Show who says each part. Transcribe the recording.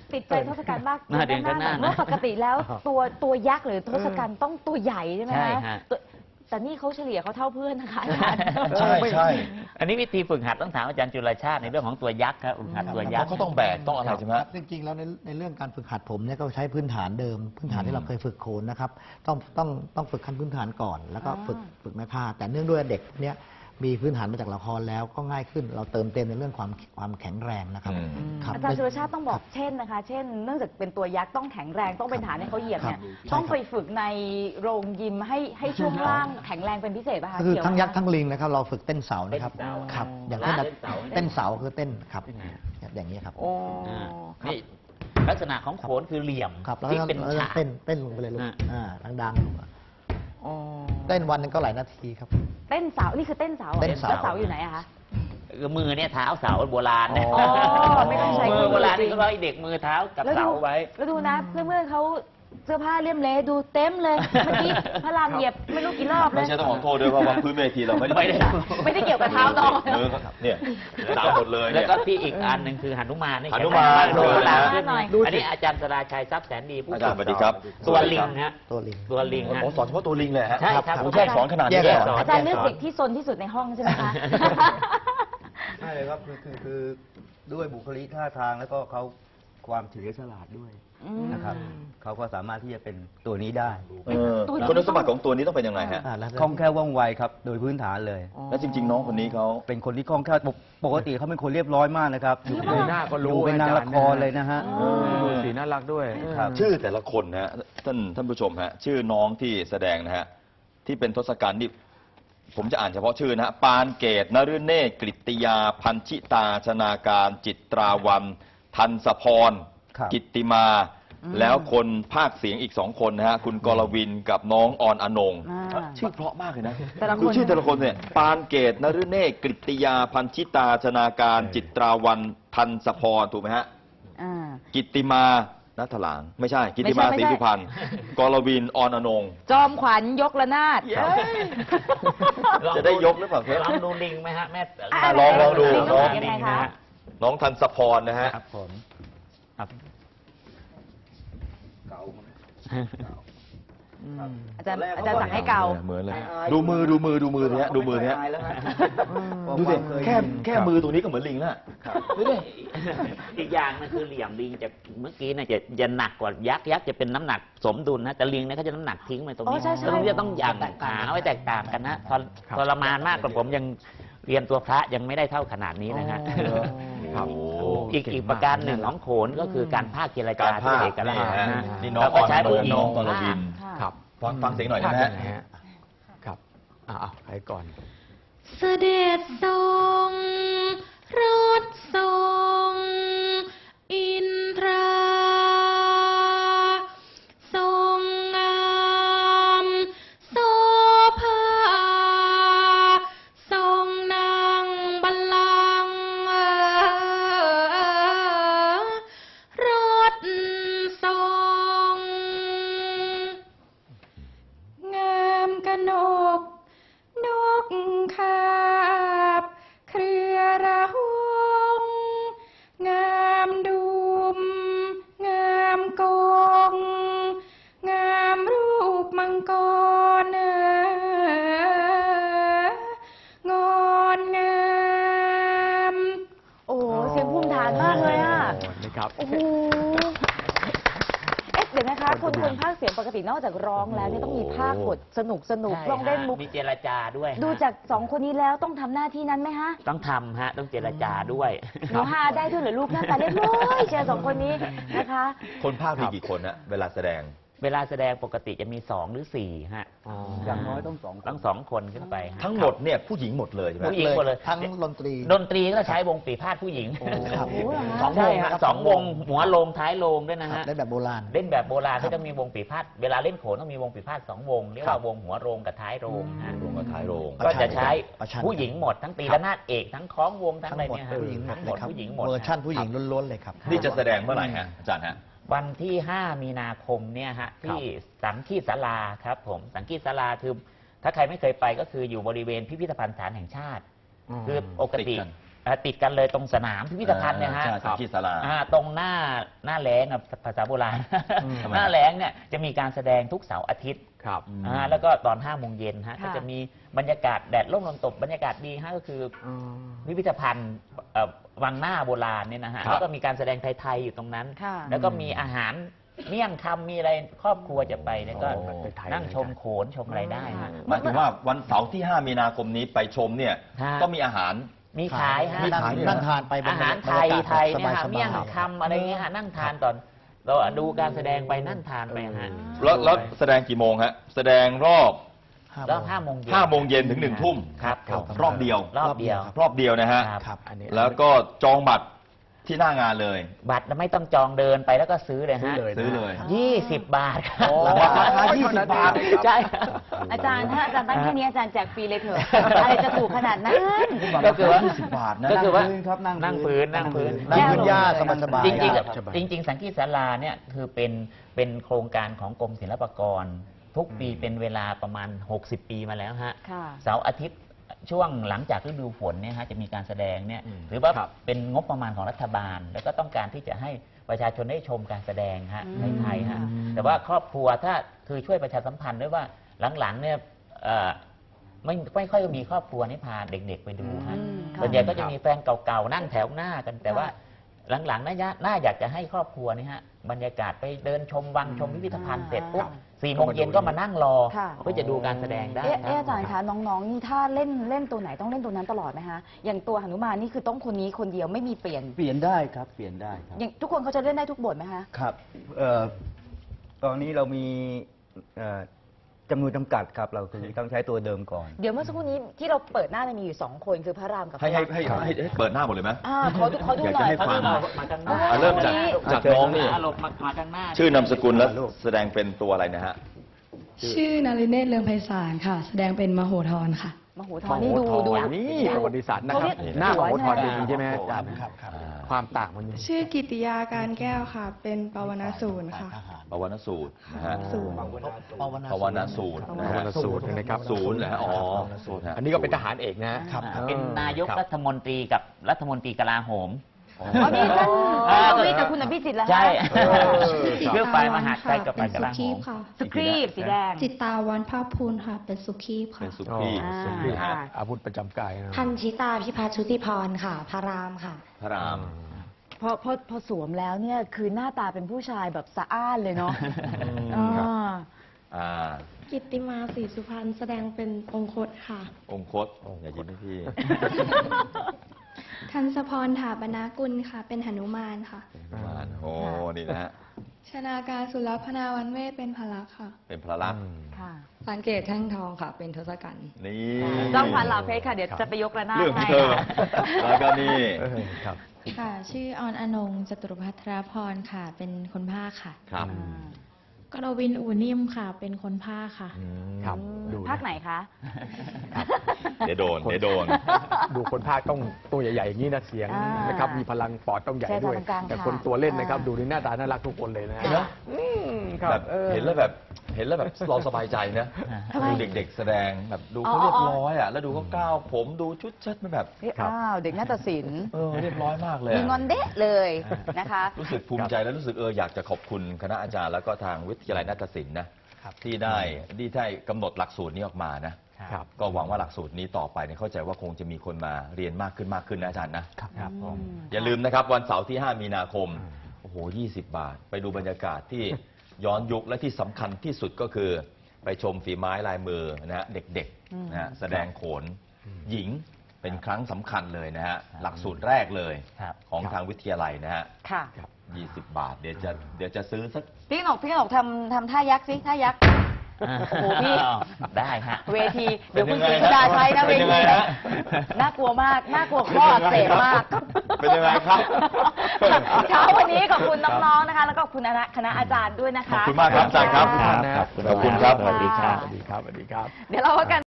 Speaker 1: ติดใจทศกัณฐ์มาก
Speaker 2: หน้าเด่นก็หน้า
Speaker 1: เมื่อปกติแล้วตัวยักษ์หรือทศกัณฐ์ต้องตัวใหญ่ใช่ไหม
Speaker 2: ใช่
Speaker 1: คะ
Speaker 2: ฮะ
Speaker 1: แต่นี่เขาเฉลี่ยเขาเท่าเพื่อนนะคะอาจารย์
Speaker 3: ใช่ใช่
Speaker 2: อันนี้วิธีฝึกหัดต้องถามอาจารย์จุลชาติในเรื่องของตัวยักษ์ครับฝึกหัดตัว
Speaker 3: เพ
Speaker 2: ยัก
Speaker 3: ราะ
Speaker 2: ษ์
Speaker 3: เขาต้องแบกต้องอะไรใช่ไหม
Speaker 4: จริงๆแล้วในเรื่องการฝึกหัดผมเนี่ยก็ใช้พื้นฐานเดิม พื้นฐานที่เราเคยฝึกโขนนะครับต้องฝึกขั้นพื้นฐานก่อน แล้วก็ฝึกไม้พายแต่เนื่องด้วยเด็กเนี่ยมีพื้นฐานมาจากละครแล้วก็ง่ายขึ้นเราเติมเต็มในเรื่องความแข็งแรงนะครับ ครับ
Speaker 1: อาจารย์สุรชาติต้องบอกเช่นนะคะ เช่น เนื่องจากเป็นตัวยักษ์ต้องแข็งแรงต้องเป็นฐานให้เขาเหยียบเนี่ย
Speaker 4: ครับ
Speaker 1: ต้องไปฝึกในโรงยิมให้ช่วงล่างแข็งแรงเป็นพิเศษป่ะคะ
Speaker 4: ก็คือ
Speaker 1: เกี่ว
Speaker 4: ทั้งยักษ์
Speaker 1: ไหม
Speaker 4: ทั้งลิงนะครับเราฝึกเต้นเสานะครับ
Speaker 2: เต้นเสา
Speaker 4: ครับ อย่าง
Speaker 2: เต้
Speaker 4: เช่น
Speaker 2: นเสา
Speaker 4: เต้นเสาคือเต้นครับอย่างนี้ครับ
Speaker 1: โอ้
Speaker 2: นี่ลักษณะของโขนคือเหลี่ยม
Speaker 4: ครับแล้ว
Speaker 2: ที่
Speaker 4: ก็
Speaker 2: เป็น
Speaker 4: แล้วก็
Speaker 2: ฉาก
Speaker 4: เต้นลงไปเลยลูก ดัง
Speaker 1: โอ้
Speaker 4: ๆเต้นวันหนึงก็หลายนาทีครับ
Speaker 1: เต้นเสานี่คือเต้นเสาหรอ
Speaker 4: เต้นเสา
Speaker 1: แล้วเสาอยู่ไหนอะคะ
Speaker 2: มือเนี่ยเท้าเสาโบราณนะ
Speaker 1: อ๋อไม่ต้องใช้
Speaker 2: มือโบราณ
Speaker 1: จริ
Speaker 2: นี่
Speaker 1: ง
Speaker 2: ก็ร้อยเด็กมือเท้ากับเสาไว้
Speaker 1: แล้วดูนะเพื่อนๆเขาเสื้อผ้าเลี่ยมเละดูเต็มเลยเมื่อกี้พระรามเหยียบไม่รู้กี่รอบเล
Speaker 3: ไม่
Speaker 1: ย
Speaker 3: ใช่ต้องขอโทษด้วยเพราะว่าพื้นเวทีเราไม่ได้
Speaker 1: ไม่ได้เกี่ยวกับเท้าน้อง
Speaker 3: มือเนี่ยสาวหมดเลย
Speaker 2: แล้
Speaker 3: เนี่
Speaker 2: วย ก็ที่อีกอันหนึ่งคือหนุมาน
Speaker 3: หนุมาน
Speaker 2: โดนตาม
Speaker 1: หนุมาน
Speaker 2: ขึ้นอันนี้อาจารย์สราชัยทรัพย์แสนดีผู้
Speaker 3: อาจารย์สวัสดีครับ
Speaker 2: ตัวลิงฮะ
Speaker 4: ตัวลิง
Speaker 2: ตัวลิงฮะ
Speaker 3: โอ้สอนเฉพาะตัวลิงเลยฮะ
Speaker 2: ใช่ครับ
Speaker 3: โอ้แยกสอนขนาดนี้
Speaker 4: แยก
Speaker 3: เลย
Speaker 4: สอน
Speaker 1: อาจารย์เลือกเด็กที่ซนที่สุดในห้องใช่ไหมคะ
Speaker 5: ใช่เลยครับคือด้วยบุคลิกท่าทางแล้วก็เขาความเฉลียวฉลาดด้วยนะครับเขาก็สามารถที่จะเป็นตัวนี้ได้
Speaker 3: คุณสมบัติของตัวนี้ต้องเป็นยังไงฮะ
Speaker 4: แล้ว
Speaker 5: คล่องแคล่วว่องไวครับโดยพื้นฐานเลย
Speaker 3: แล้วจริง ๆ น้องคนนี้เขา
Speaker 5: เป็นคนที่คล่องแคล่วปกติเขาเป็นคนเรียบร้อยมากนะครับอยู่
Speaker 1: จริงเหรอ
Speaker 5: หน้าก็รู้เป็นนางละครเลยนะฮะ
Speaker 6: ดูสีน่ารักด้วย
Speaker 5: ครับ
Speaker 3: ชื่อแต่ละคนนะฮะท่านผู้ชมฮะชื่อน้องที่แสดงนะฮะที่เป็นทศกัณฐ์นี่ผมจะอ่านเฉพาะชื่อนะฮะปานเกตนฤเนศกฤติยา พันชิตา ชนาการ จิตราวันทันสพร
Speaker 5: ครับ
Speaker 3: กิตติมา แล้วคนภาคเสียงอีกสองคนนะฮะคุณกรวินกับน้องออนอนง
Speaker 1: อ่า
Speaker 3: ชื่อเพราะมากเลยนะ
Speaker 1: แต่ละคน
Speaker 3: คือชื่อแต่ละคนเนี่ยปานเกตนฤเนศกฤติยา พันชิตา ชนาการ จิตราวันทันสพรถูกไหมฮะ
Speaker 1: อ่า
Speaker 3: กิตติมานัทหลางไม่ใช่ กิตติมา
Speaker 1: ไม่
Speaker 3: ศรี
Speaker 1: ใช่
Speaker 3: สุพรรณกรวินออนอนง
Speaker 1: จอมขวัญยกระนาด
Speaker 3: จะได้ยกหรือเปล่าครับ
Speaker 2: ลองดูลิงไหมฮะแม่
Speaker 3: ลองดู
Speaker 1: ลิง
Speaker 3: น้อง
Speaker 1: ยังไงคะ
Speaker 3: น้องทันสพรนะฮะ
Speaker 2: ครับผมครับ
Speaker 1: อาจารย์สั่งให้เกา
Speaker 3: เหมือนเลยดูมือเนี้ยดูมือเนี้ยดูสิแค่มือตรงนี้ก็เหมือนลิงแล้วดูดิ
Speaker 2: อีกอย่างนึงคือเหลี่ยมลิงจะเมื่อกี้เนี่ยจะหนักกว่ายักษ์จะเป็นน้ำหนักสมดุลนะแต่ลิงเนี่ยเขาจะน้ำหนักทิ้งไปตรง
Speaker 1: อ๋
Speaker 2: นี้
Speaker 1: อใช่ใช่
Speaker 2: ตรงนี้จะต้องหยั่งขาไว้แตกต่างกันนะทรมานมากกว่าผมยังเรียนตัวพระยังไม่ได้เท่าขนาดนี้นะฮะ
Speaker 3: ครับ
Speaker 2: อีกประการหนึ่งของโขนก็คือการภาคเจรจา
Speaker 3: การภาค
Speaker 2: ที่เอกลักษณ์
Speaker 3: นี่ฮะ
Speaker 2: นะ
Speaker 3: นี่น้อง
Speaker 2: เราก็ใช้ผู้หญิง
Speaker 3: น้องกรวิน
Speaker 1: ค่ะ
Speaker 6: ครับ
Speaker 3: ฟังเสียงหน่อยได้ไหม
Speaker 6: ภาค
Speaker 3: ฮะ
Speaker 6: ยังไงฮะครับใครก่อน
Speaker 7: เสด็จทรงรถทรงอินทราทรงงามโสภาทรงนั่งบัลลังก์รถทรงงามกนก นกคาบเครือระหงงามดุมงามกงงามรูปมังกรงอนงาม
Speaker 1: โอ้โหเสียงภูมิฐานมากเลยอ่ะ
Speaker 6: นะครับ
Speaker 1: โอ้โห เดี๋ยวนะคะคนภาคเสียงปกตินอกจากร้องแล้วเนี่ยต้องมีภาคบทสนุก
Speaker 2: ใช่
Speaker 1: ต้องเล่นมุก
Speaker 2: มีเจรจาด้วยฮะ
Speaker 1: ดูจากสองคนนี้แล้วต้องทำหน้าที่นั้นไหมฮะ
Speaker 2: ต้องทำฮะต้องเจรจาด้วย
Speaker 1: หนูฮาได้ด้วยเหรือลูกหน้าตาเรียบร้อยเชียร์สองคนนี้นะคะ
Speaker 3: คนภาคมีกี่คนฮะเวลาแสดง
Speaker 2: เวลาแสดงปกติจะมี2 หรือ 4ฮะ
Speaker 5: อย่างน้อยต้องสองคน
Speaker 2: ต้อง2 คนขึ้นไปฮะ
Speaker 3: ทั้งหมดเนี่ยผู้หญิงหมดเลยใช่ไหม
Speaker 2: ผู้หญิงหมดเลย
Speaker 4: ทั้งดนตรี
Speaker 2: ดนตรีก็ใช้วงปีพาดผู้หญิง
Speaker 4: ครับ
Speaker 1: โอ้โหเหรอฮะ
Speaker 2: สองวงฮะ
Speaker 4: ใช่ครับ
Speaker 2: สองวงหัวโลงท้ายโลงด้วยนะฮะ
Speaker 4: เล่นแบบโบราณ
Speaker 2: เล่นแบบโบราณก็จะมีวงปีพาดเวลาเล่นโขนต้องมีวงปีพาด2 วงเรียกว่าวงหัวโรงกับท้ายโรงฮะ
Speaker 3: โรงกับท้ายโรง
Speaker 2: ก็จะใช้
Speaker 4: ประชัน
Speaker 2: ผู้หญิงหมดทั้งตีระนาดเอกทั้งคล้องวงทั้ง
Speaker 4: ทั้ง
Speaker 2: อะไร
Speaker 4: หมด
Speaker 2: เนี่ยฮะ
Speaker 4: ผู้หญิงหมด
Speaker 2: ทั้งห
Speaker 4: เล
Speaker 2: ม
Speaker 4: ย
Speaker 2: ด
Speaker 4: ครับ
Speaker 2: ผู้หญิงหมด
Speaker 4: เวอร์ชั่นผู้หญิงล้วนๆเลยครับ
Speaker 3: นี่จะแสดงเมื่อไหร่ฮะอาจารย์ฮะ
Speaker 2: วันที่ 5 มีนาคมเนี่ยฮะที่สังคีศาลาครับผมสังคีศาลาคือถ้าใครไม่เคยไปก็คืออยู่บริเวณพิพิธภัณฑ์สถานแห่งชาติ คือปกติ
Speaker 3: ติดกัน
Speaker 2: ติดกันเลยตรงสนามพิพิธภัณฑ์เนี่ยฮะ
Speaker 3: ใช่สังคีศาลา
Speaker 2: ตรงหน้าแล้งอะภาษาโบราณ
Speaker 3: ทำไม
Speaker 2: หน้าแล้งเนี่ยจะมีการแสดงทุกเสาร์อาทิตย์
Speaker 6: ครับ
Speaker 2: แล้วก็ตอน5 โมงเย็นฮะ
Speaker 1: ค่ะ
Speaker 2: ก็จะมีบรรยากาศแดดร่มลมตบบรรยากาศดีฮะก็คือพิพิธภัณฑ์วังหน้าโบราณเนี่ยนะฮะ
Speaker 3: ครับ
Speaker 2: แล้วก็มีการแสดงไทยๆอยู่ตรงนั้น
Speaker 1: ค่ะ
Speaker 2: แล้วก็มีอาหารเมี่ยงคำมีอะไรครอบครัวจะไปแล้วก็
Speaker 6: โอ้ไทยๆ
Speaker 2: นั่งชมโขนชมอะไรได้ฮะ
Speaker 3: หมายถึงว่าวันเสาร์ที่ 5 มีนาคมนี้ไปชมเนี่ย
Speaker 2: ฮะ
Speaker 3: ก็มีอาหาร
Speaker 2: มีขายฮะ
Speaker 3: มีขายด้วย
Speaker 4: นั่งทานไป
Speaker 2: อาหารไทย
Speaker 4: บกศ
Speaker 2: ไทยเนี่ยฮะ
Speaker 4: สบาๆ
Speaker 2: เมี่ยงคำอะไรเงี้ยฮะนั่งทานตอนเราดูการแสดงไปนั่งทานไปฮะ
Speaker 3: แล้วแสดงกี่โมงฮะแสดงรอบ
Speaker 2: แล้ว5 โมงเย็น
Speaker 3: 5 โมงเย็นถึง 1 ทุ่ม
Speaker 2: ครับ
Speaker 3: รอบเดียว
Speaker 2: รอบเดียว
Speaker 3: รอบเดียวนะฮะ
Speaker 2: ครับ
Speaker 4: ครับ
Speaker 6: อันนี้
Speaker 3: แล้วก็จองบัตรที่หน้างานเลย
Speaker 2: บัตรไม่ต้องจองเดินไปแล้วก็ซื้อเลยฮะ
Speaker 3: ซื้อเลย
Speaker 2: 20 บาทครับ
Speaker 6: โอ้
Speaker 3: ราคา20 บาท
Speaker 2: ใช่
Speaker 1: อาจารย์ถ้าอาจารย์ตั้งแค่นี้อาจารย์แจกฟรีเลยเถอะ อะไรจะถูกขนาดนั้น
Speaker 2: ก็คือว่า
Speaker 3: 20 บาทนะ
Speaker 2: ก็คือว่า
Speaker 5: นั่งพื้นครับนั่
Speaker 2: นั่
Speaker 5: ง
Speaker 2: ง
Speaker 5: พื้
Speaker 2: พื้
Speaker 5: น
Speaker 2: นนั่งพื้น
Speaker 4: นั่งพื้นหญ้าสบายๆ
Speaker 2: จริง
Speaker 6: สบาย
Speaker 2: ๆจริงๆสังคีศาลาเนี่ยคือเป็นโครงการของกรมศิลปากร ทุกปีเป็นเวลาประมาณ 60 ปีมาแล้วฮะ
Speaker 1: ค่ะ
Speaker 2: เสาร์อาทิตย์ช่วงหลังจากฤดูฝนเนี่ยฮะจะมีการแสดงเนี่ยหรือว่า
Speaker 6: ครับ
Speaker 2: เป็นงบประมาณของรัฐบาล แล้วก็ต้องการที่จะให้ประชาชนได้ชมการแสดงฮะในไทยฮะแต่ว่าครอบครัวถ้าคือช่วยประชาสัมพันธ์ด้วยว่าหลังๆเนี่ยไม่ค่อยมีครอบครัวนี่พาเด็กๆไปดูฮะ
Speaker 1: อืมค่ะ
Speaker 2: ส่วนใหญ่ก็จะมีแฟนเก่าๆนั่งแถวหน้ากัน แต่ว่าหลังๆน่าอยากจะให้ครอบครัวนี่ฮะบรรยากาศไปเดินชมวังชมพิพิธภัณฑ์เสร็จปุ๊บ4 โมงเย็นก็มานั่งรอ
Speaker 1: ค่ะ
Speaker 2: เพื่อจะดูการแสดงได้
Speaker 1: อาจารย์คะน้องๆนี่ถ้าเล่นตัวไหนต้องเล่นตัวนั้นตลอดไหมคะอย่างตัวหนุมานนี่คือต้องคนนี้คนเดียวไม่มีเปลี่ยน
Speaker 5: เปลี่ยนได้ครับเปลี่ยนได้ครับ
Speaker 1: อย่างทุกคนเขาจะเล่นได้ทุกบทไหมคะ
Speaker 5: ครับตอนนี้เรามีจำนวนจำกัดครับ เราคือต้องใช้ตัวเดิมก่อน
Speaker 1: เดี๋ยวเมื่อสักครู่นี้ที่เราเปิดหน้าเนี่ยมีอยู่2 คนคือพระรามกับพ
Speaker 3: ให้
Speaker 1: ระ
Speaker 3: ให้
Speaker 1: ลักษณ์
Speaker 3: ให้เปิดหน้าหมดเลยไหม
Speaker 1: ขอดูหน่อย
Speaker 3: อยากจะให้ฟัง
Speaker 2: มาข้างหน้า
Speaker 3: เริ่มจากน้องนี่
Speaker 2: หลบมาข้างหน้า
Speaker 3: ชื่อนามสกุลและแสดงเป็นตัวอะไรนะฮะ
Speaker 7: ชื่อนาริเนตรเลืองไพศาลค่ะ แสดงเป็นมโหธรค่ะ
Speaker 1: มโหธรนี่ดู
Speaker 6: นี่ประวัติศาสตร์นะครับ
Speaker 1: เขาเรียก
Speaker 6: หน้าของโอทอน
Speaker 1: หัว
Speaker 6: จริงๆใช่ไหมฮะ
Speaker 1: หัว
Speaker 6: อาจารย์
Speaker 4: ครับครับ
Speaker 6: ความต่างมันอยู่
Speaker 7: ชื่อกิติยาการแก้วค่ะ เป็นปวนาสูรค่ะ
Speaker 3: ปวนสูตรนะฮะ
Speaker 7: สูร
Speaker 3: ปวนสูตรนะ
Speaker 6: ปว
Speaker 3: ฮะ
Speaker 6: นสูตรนะครับ
Speaker 3: ศูนย์เหรอฮะอ๋อศูนย์ฮะ
Speaker 6: อันนี้ก็เป็นทหารเอกนะฮะ
Speaker 4: ครับ
Speaker 2: เป็นนายก
Speaker 6: ครับ
Speaker 2: รัฐมนตรีกับรัฐมนตรีกลาโหม
Speaker 1: อ๋อนี่ท่านประวิตรกับคุณอภิสิทธิ์แล้ว
Speaker 2: ใช่
Speaker 7: จิต
Speaker 2: เรื่อง
Speaker 7: ตา
Speaker 2: ฝ่ายม
Speaker 7: วัน
Speaker 2: หาดไท
Speaker 7: ค่ะ
Speaker 2: ยกับ
Speaker 7: เป็
Speaker 2: ฝ่าย
Speaker 7: น
Speaker 2: ก
Speaker 7: สุ
Speaker 2: ลาโห
Speaker 7: ขี
Speaker 2: ม
Speaker 7: พค่ะ
Speaker 1: สครีบสีแดง
Speaker 7: จิตตาวันภาคภูลค่ะ เป็นสุขีพ
Speaker 3: เป็
Speaker 7: ค่ะ
Speaker 3: นสุขี
Speaker 1: อ่า
Speaker 6: สุขี
Speaker 1: ค่ะ
Speaker 6: อาวุธประจำกายนะ
Speaker 8: พันชิตาพิพัฒน์ชุติพรค่ะ พระรามค่ะ
Speaker 3: พระราม
Speaker 1: พอสวมแล้วเนี่ยคือหน้าตาเป็นผู้ชายแบบสะอ้านเลยเนาะ
Speaker 3: ครับ
Speaker 1: อ่า
Speaker 3: อ่า
Speaker 8: กิตติมาศรีสุพรรณแสดงเป็นองคตค่ะ
Speaker 3: องคตอย่ายิ้มให้พี่
Speaker 7: ทันสพรถาปนากุลค่ะ เป็นหนุมานค่ะ
Speaker 3: มานโอ้นี่นะฮะ
Speaker 7: ชนาการสุรพนาวันเวทเป็นพลักษ์ค่ะ
Speaker 3: เป็นพระลักษณ์
Speaker 1: ค่ะ
Speaker 8: สังเกตแท่งทองค่ะ เป็นทศกัณฐ์
Speaker 3: นี่
Speaker 1: จ้องพันลาเพชรค่ะ เดี๋ยวจะไปยกระนาด
Speaker 3: เรื่องขอ
Speaker 1: ให้
Speaker 3: งเธอ แล้วก็นี่
Speaker 6: ครับ
Speaker 7: ค่ะ ชื่อออนอนงจตุรพัทรพรค่ะ เป็นคนภาคค่ะ
Speaker 3: ครับ
Speaker 7: กรวินอูนิ่มค่ะ เป็นคนภาคค่ะ
Speaker 6: ครับดูะ
Speaker 1: ภาคไหนคะ
Speaker 3: เดี๋ยวโดน เดี๋ยวโดน
Speaker 6: ดูคนภาคต้องตัวใหญ่ๆอย่างนี้นะเสียง
Speaker 1: อ่าน
Speaker 6: นะครับมีพลังปอดต้องใหญ่
Speaker 1: ใช่
Speaker 6: ด้วย
Speaker 1: ตรงกลาง
Speaker 6: แต่
Speaker 1: ค่ะ
Speaker 6: คนตัวเล่นนะครับ
Speaker 1: อ่า
Speaker 6: ดูในหน้าตาน่ารักทุกคนเลยนะ
Speaker 1: ค่ะ
Speaker 6: ครับ
Speaker 3: แบบเห็นแล้วแบบเราสบายใจนะ
Speaker 1: ทำไม
Speaker 3: ดูเด็กๆแสดงแบบดูเขาเรียบร้อยอ่ะแล้วดูเขาก้าวผมดูชุดเชิดมันแบบ
Speaker 6: ครับ
Speaker 1: อ้าวเด็กนาฏศิลป์
Speaker 3: เรียบร้อยมากเลย
Speaker 1: มี
Speaker 3: อะ
Speaker 1: งอนเดะเลยนะคะ
Speaker 3: รู้สึกภูมิใจและรู้สึกอยากจะขอบคุณคณะอาจารย์แล้วก็ทางวิทยาลัยนาฏศิลป์นะครับ ที่ได้กำหนดหลักสูตรนี้ออกมานะครับ ก็หวังว่าหลักสูตรนี้ต่อไปเนี่ยเข้าใจว่าคงจะมีคนมาเรียนมากขึ้นนะอาจารย์นะครับผมอย่าลืมนะครับวันเสาร์ที่ 5 มีนาคมโอ้โห20 บาท ไปดูบรรยากาศที่ย้อนยุคและที่สำคัญที่สุดก็คือ ไปชมฝีไม้ลายมือนะฮะเด็กๆนะฮะแสดงโขนหญิงเป็นครั้งสำคัญเลยนะฮะหลักสูตรแรกเลย
Speaker 2: ครับ
Speaker 3: ของทางวิทยาลัยนะฮะ
Speaker 1: ค่ะ
Speaker 3: 20 บาท เดี๋ยวจะซื้อสัก
Speaker 1: พี่กนกทำท่ายักษ์สิท่ายักษ์ โอ้โหพี่
Speaker 2: ได้ฮะ
Speaker 1: เวทีเดี๋ยวคุณ
Speaker 3: เป็น
Speaker 1: ศรี
Speaker 3: ยังไง
Speaker 1: สุดาใช้นะเว
Speaker 3: เป็นยัง
Speaker 1: ที
Speaker 3: ไงฮะ
Speaker 1: น่ากลัวมากน่ากลัวข้ออักเสบมาก
Speaker 3: เป็นยังไงครับ
Speaker 1: เช้าวันนี้ขอบคุณน้องๆนะคะ แล้วก็ขอบคุณคณะอาจารย์ด้วยนะคะ
Speaker 3: ขอบคุณมากครับอาจารย์ครับ
Speaker 6: ครับ
Speaker 3: ขอบคุณครับ
Speaker 2: สวัสดีครับ
Speaker 6: สวัสดีครับสวัสดีครับ
Speaker 1: เดี๋ยวเราพักกัน